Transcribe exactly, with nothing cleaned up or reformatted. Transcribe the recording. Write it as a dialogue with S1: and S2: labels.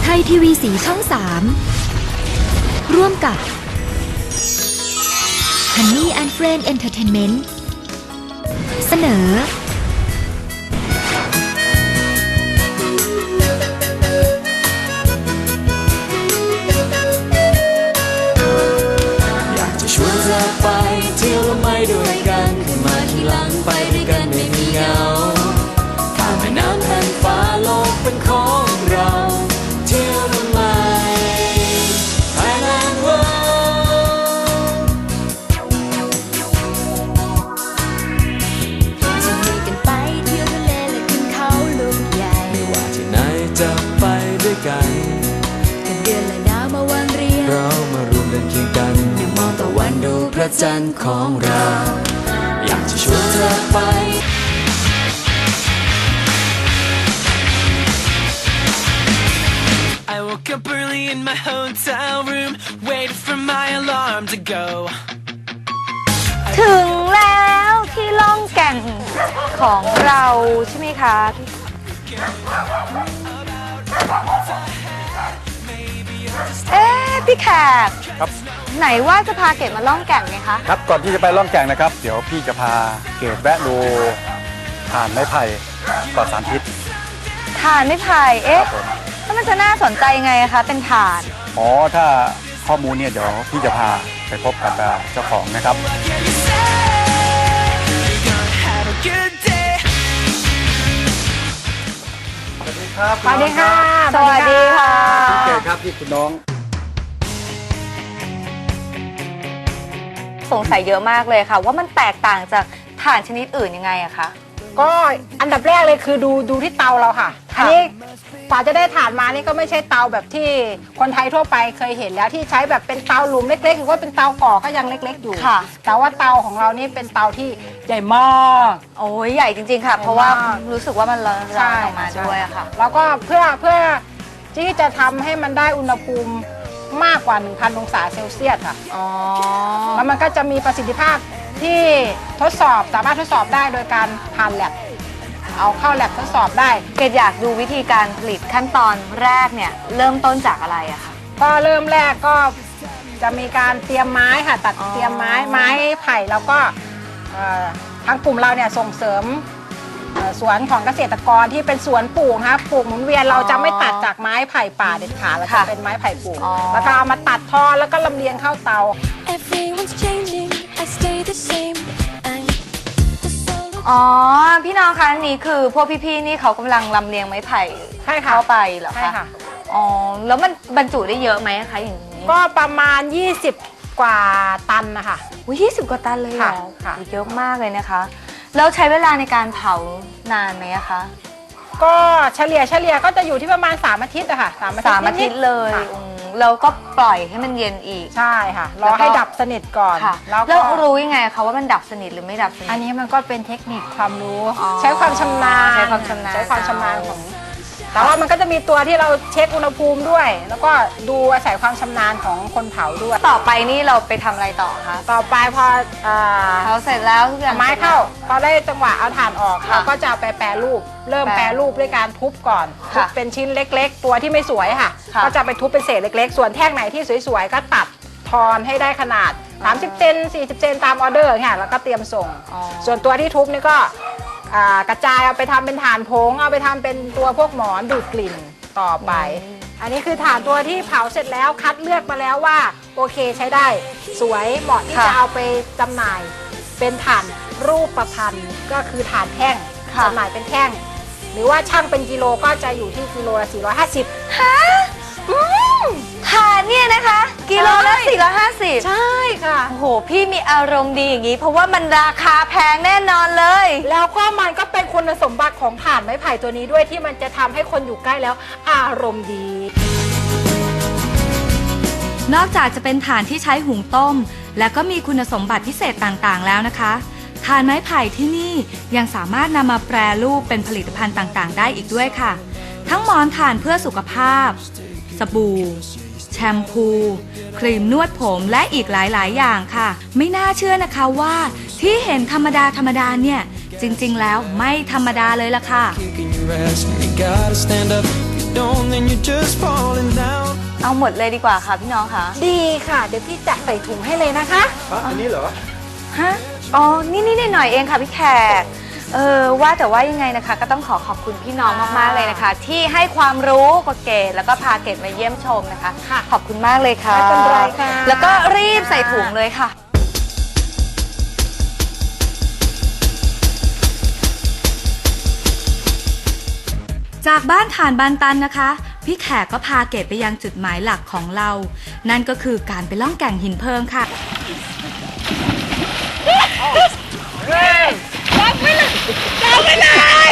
S1: ไทยทีวีสีช่องสามร่วมกับ Honey and Friend Entertainment เสนอ
S2: อยากจะชวนเธอไปเที่ยวและไม่ด้วยกันขึ้นมาทีหลังไปด้วยกันไม่มีเหงาข้ามแม่น้ำแผ่านฟ้าโลกเป็นของเราเที่ยวทำไม Thailand World
S1: จะมีกันไปเที่ยวทะเลและขึ้นเขาลูกใหญ่
S2: ไม่ว่าที่ไหนจะไปด้วยกัน
S1: กันเดือนและดาวมาวางเรียง
S2: เรามารวมเดินเคียงกันได้มองตะวันดูพระจันทร์ของเราอยากจะชวนเธอไปI woke up early in my hotel room, waited for my alarm to go.
S3: ถึงแล้วที่ล่องแก่งของเราใช่ไหมคะเอ๊ะพี่แขก
S4: ครับ
S3: ไหนว่าจะพาเกดมาล่องแก่งไงคะ
S4: ครับก่อนที่จะไปล่องแก่งนะครับเดี๋ยวพี่จะพาเกดแวะดูถ่านไม้ไผ่ปลอดสารพิษ
S3: ถ่านไม้ไผ่เอ๊ะถ้ามันจะน่าสนใจไงคะเป็นถ่าน
S4: อ๋อถ้าข้อมูลเนี่ยเดี๋ยวพี่จะพาไปพบกับเจ้าของนะครับสวัสดีครับ
S3: สวัสดีค่ะสวัสดีค่ะ
S4: พี่เกดครับพี่คุณน้อง
S3: สงสัยเยอะมากเลยค่ะว่ามันแตกต่างจากถ่านชนิดอื่นยังไงอะคะ
S5: ก็อันดับแรกเลยคือดูดูที่เตาเราค่ะอันนี้กว่าจะได้ถ่านมานี่ก็ไม่ใช่เตาแบบที่คนไทยทั่วไปเคยเห็นแล้วที่ใช้แบบเป็นเตาหลุมเล็กๆหรือว่าเป็นเตาก่อก็ยังเล็กๆอยู่แต่ว่าเตาของเรานี่เป็นเตาที่ใหญ่มาก
S3: โอ้ยใหญ่จริงๆค่ะเพราะว่ารู้สึกว่ามันร้อนออกมาด้วยอะค่ะ
S5: แล้วก็เพื่อเพื่อที่จะทำให้มันได้อุณหภูมิมากกว่า หนึ่งพัน องศาเซลเซียสค่ะ
S3: อ๋อ
S5: แล้วมันก็จะมีประสิทธิภาพที่ทดสอบสามารถทดสอบได้โดยการผ่านแลบเอาเข้าแลบทดสอบได้
S3: เกดอยากดูวิธีการผลิตขั้นตอนแรกเนี่ยเริ่มต้นจากอะไรอะคะ
S5: ก็เริ่มแรกก็จะมีการเตรียมไม้ค่ะตัดเตรียมไม้ไม้ไผ่แล้วก็ทางกลุ่มเราเนี่ยส่งเสริมสวนของเกษตรกรที่เป็นสวนปลูกนะคะปลูกหมุนเวียนเราจะไม่ตัดจากไม้ไผ่ป่าเด็ดขาดแล้วจะเป็นไม้ไผ่ปลูกแล้วก็เอามาตัดทอแล้วก็ลำเลียงเข้าเตา
S3: อ๋อพี่น้องคะนี่คือพวกพี่ๆนี่เขากำลังลำเลียงไม้ไผ่เข้าไปเหรอคะใช่ค่ะอ๋อแล้วมันบรรจุได้เยอะไหมคะอย่างนี้
S5: ก็ประมาณยี่สิบกว่าตันนะคะ
S3: อุ้ยยี่สิบกว่าตันเลยเหรอเยอะมากเลยนะคะแล้วใช้เวลาในการเผานานไหมคะ
S5: ก็เฉลี่ยเฉลี่ยก็จะอยู่ที่ประมาณสามอาทิตย์อะค่ะ
S3: สามอาทิตย์สามอาทิตย์เลยแล้วก็ปล่อยให้มันเย็นอีก
S5: ใช่ค่ะรอให้ดับสนิทก่อน
S3: แล้วรู้ยังไงคะว่ามันดับสนิทหรือไม่ดับสนิท
S5: อันนี้มันก็เป็นเทคนิคความรู้ใช้ความชำนาญ
S3: ใช้ความชำนาญ
S5: ใช้ความชำนาญของแต่ว่ามันก็จะมีตัวที่เราเช็คอุณหภูมิด้วยแล้วก็ดูอาศัยความชำนาญของคนเผาด้วย
S3: ต่อไปนี่เราไปทำอะไรต่อคะ
S5: ต่อไปพอ
S3: เผาเสร็จแล้วทุกอย่าง
S5: ไม้เข้าพอได้จังหวะเอาถ่านออกเราก็จะไปแปรรูปเริ่มแปรรูปด้วยการทุบก่อนทุบเป็นชิ้นเล็กๆตัวที่ไม่สวยค่ะก็จะไปทุบเป็นเศษเล็กๆส่วนแท่งไหนที่สวยๆก็ตัดทอนให้ได้ขนาดสามสิบเซนสี่สิบเซนตามออเดอร์ค่ะแล้วก็เตรียมส่งส่วนตัวที่ทุบนี่ก็กระจายเอาไปทำเป็นถ่านผงเอาไปทำเป็นตัวพวกหมอนดูดกลิ่นต่อไปอันนี้คือถ่านตัวที่เผาเสร็จแล้วคัดเลือกมาแล้วว่าโอเคใช้ได้สวยเหมาะที่จะเอาไปจำหน่ายเป็นถ่านรูปประพันธ์ก็คือถ่านแท่งจำหน่ายเป็นแท่งหรือว่าช่างเป็นกิโลก็จะอยู่ที่กิโลละสี่ร้อยห้าสิบ
S3: ฮะถ่านเนี่ยนะคะกิโลละสี่ร้อยห้าสิบ
S5: ใช่ค่ะ
S3: โอ้โหพี่มีอารมณ์ดีอย่างนี้เพราะว่ามันราคาแพงแน่นอนเลย
S5: แล้วก็มันก็เป็นคุณสมบัติของถ่านไม้ไผ่ตัวนี้ด้วยที่มันจะทำให้คนอยู่ใกล้แล้วอารมณ์ดี
S1: นอกจากจะเป็นถ่านที่ใช้หุงต้มและก็มีคุณสมบัติพิเศษต่างๆแล้วนะคะถ่านไม้ไผ่ที่นี่ยังสามารถนำมาแปรรูปเป็นผลิตภัณฑ์ต่างๆได้อีกด้วยค่ะทั้งหมอนถ่านเพื่อสุขภาพสบู่แชมพูครีมนวดผมและอีกหลายๆอย่างค่ะไม่น่าเชื่อนะคะว่าที่เห็นธรรมดาธรรมดาเนี่ยจริงๆแล้วไม่ธรรมดาเลยล่ะค่ะ
S2: don't, then you're just falling down.
S3: เอาหมดเลยดีกว่าค่ะพี่น้องค่ะ
S5: ดีค่ะ เดี๋ยวพี่จัดใส่ถุงให้เลยนะคะ
S4: อันนี้เหรอ
S3: ฮะ อ๋อ นี่นี่หน่อยๆเองค่ะพี่แขก เออ ว่าแต่ว่ายังไงนะคะ ก็ต้องขอขอบคุณพี่น้องมากๆเลยนะคะ ที่ให้ความรู้กับเกดแล้วก็พาเกดมาเยี่ยมชมนะคะ
S5: ค่ะ
S3: ขอบคุณมากเลยค่ะ
S5: ไม่เป็นไรค่ะ
S3: แล้วก็รีบใส่ถุงเลยค่ะ
S1: จากบ้านฐานบานตันนะคะ พี่แขกก็พาเกดไปยังจุดหมายหลักของเรา นั่นก็คือการไปล่องแก่งหินเพลิงค่ะ
S3: จับไปเลยจับไปเลย